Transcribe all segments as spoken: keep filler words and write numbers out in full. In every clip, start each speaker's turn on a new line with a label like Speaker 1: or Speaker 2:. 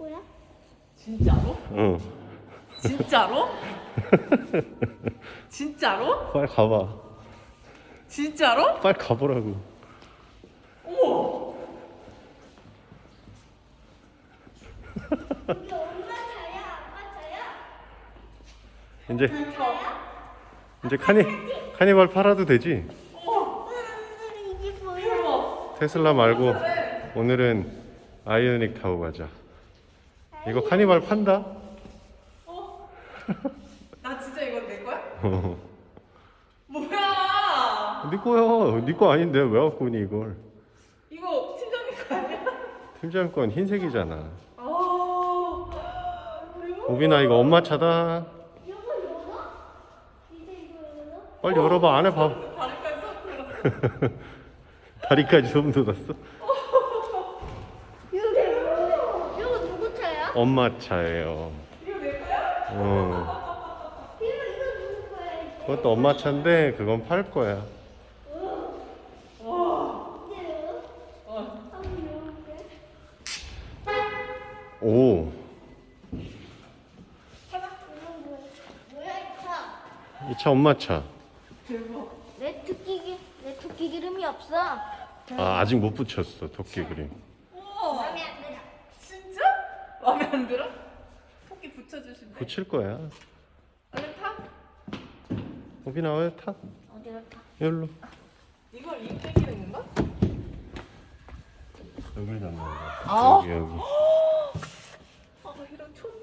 Speaker 1: 거야?
Speaker 2: 진짜로?
Speaker 3: 응.
Speaker 2: 진짜로? 진짜로?
Speaker 3: 빨리 가봐.
Speaker 2: 진짜로?
Speaker 3: 빨리 가보라고.
Speaker 2: 어머!
Speaker 1: 이게 엄마 차야? 아빠 차야?
Speaker 3: 이제
Speaker 2: 그러니까.
Speaker 3: 이제 카니 카니발 팔아도 되지?
Speaker 2: 어머!
Speaker 1: 음, 이게 뭐야?
Speaker 2: 대박!
Speaker 3: 테슬라 말고 오늘은 아이오닉 타고 가자. 이거 카니발 판다?
Speaker 2: 어? 나 진짜 이거 내 거야?
Speaker 3: 어.
Speaker 2: 뭐야!
Speaker 3: 네 거야. 네 거 아닌데 왜 갖고 오니 이걸?
Speaker 2: 이거 팀장님 거 아니야?
Speaker 3: 팀장 건 흰색이잖아.
Speaker 2: 아, 대박.
Speaker 3: 오빈아 이거 엄마 차다.
Speaker 1: 이거 열어? 이제 이거 열어?
Speaker 3: 빨리 열어봐. 안에 봐.
Speaker 2: 다리까지 쏙 들었어.
Speaker 3: 다리까지 소름 돋았어.
Speaker 1: 이거 뭐야? 이거 누구 차야?
Speaker 3: 엄마 차예요.
Speaker 2: 이거 내 거야?
Speaker 3: 어.
Speaker 1: 이거 이거 누구 거야? 이거?
Speaker 3: 그것도 엄마 차인데 그건 팔 거야.
Speaker 2: 와.
Speaker 1: 이제요?
Speaker 2: 어.
Speaker 1: 한번 열어볼게.
Speaker 3: 오.
Speaker 1: 이건 뭐야? 뭐야 이 차?
Speaker 3: 이 차 엄마 차.
Speaker 2: 대박.
Speaker 1: 내 토끼기 내 토끼 기름이 없어.
Speaker 3: 아 아직 못 붙였어 토끼 그림.
Speaker 2: 우와.
Speaker 1: 마음에 안 들어.
Speaker 2: 진짜? 마음에 안 들어? 토끼 붙여주신대.
Speaker 3: 붙일 거야.
Speaker 2: 얼른 타.
Speaker 3: 오빈아 왜 타?
Speaker 1: 어디로 타?
Speaker 3: 여기로.
Speaker 2: 이걸 이 끼기는 건가?
Speaker 3: 여기를 잡는 거야.
Speaker 2: 아.
Speaker 3: 여기 여기.
Speaker 2: 아, 이런 촌.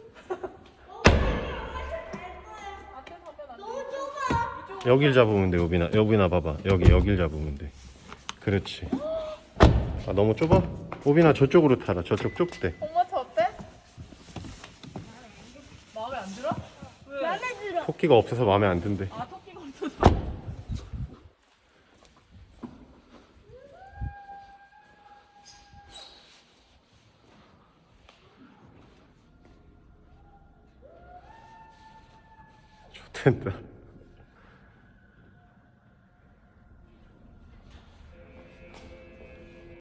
Speaker 2: 앞에 서면 안 돼.
Speaker 1: 너무 좁아.
Speaker 2: 이쪽.
Speaker 3: 여길 잡으면 돼 오빈아. 여빈아 봐봐. 여기 여길 잡으면 돼. 그렇지. 아 너무 좁아? 오빈아 저쪽으로 타라. 저쪽 좁대.
Speaker 2: 엄마 차 어때? 마음에 안 들어? 왜?
Speaker 1: 마음에 들어.
Speaker 3: 토끼가 없어서 마음에 안 든대.
Speaker 2: 아, 토끼가 없어서.
Speaker 3: 좋댄다.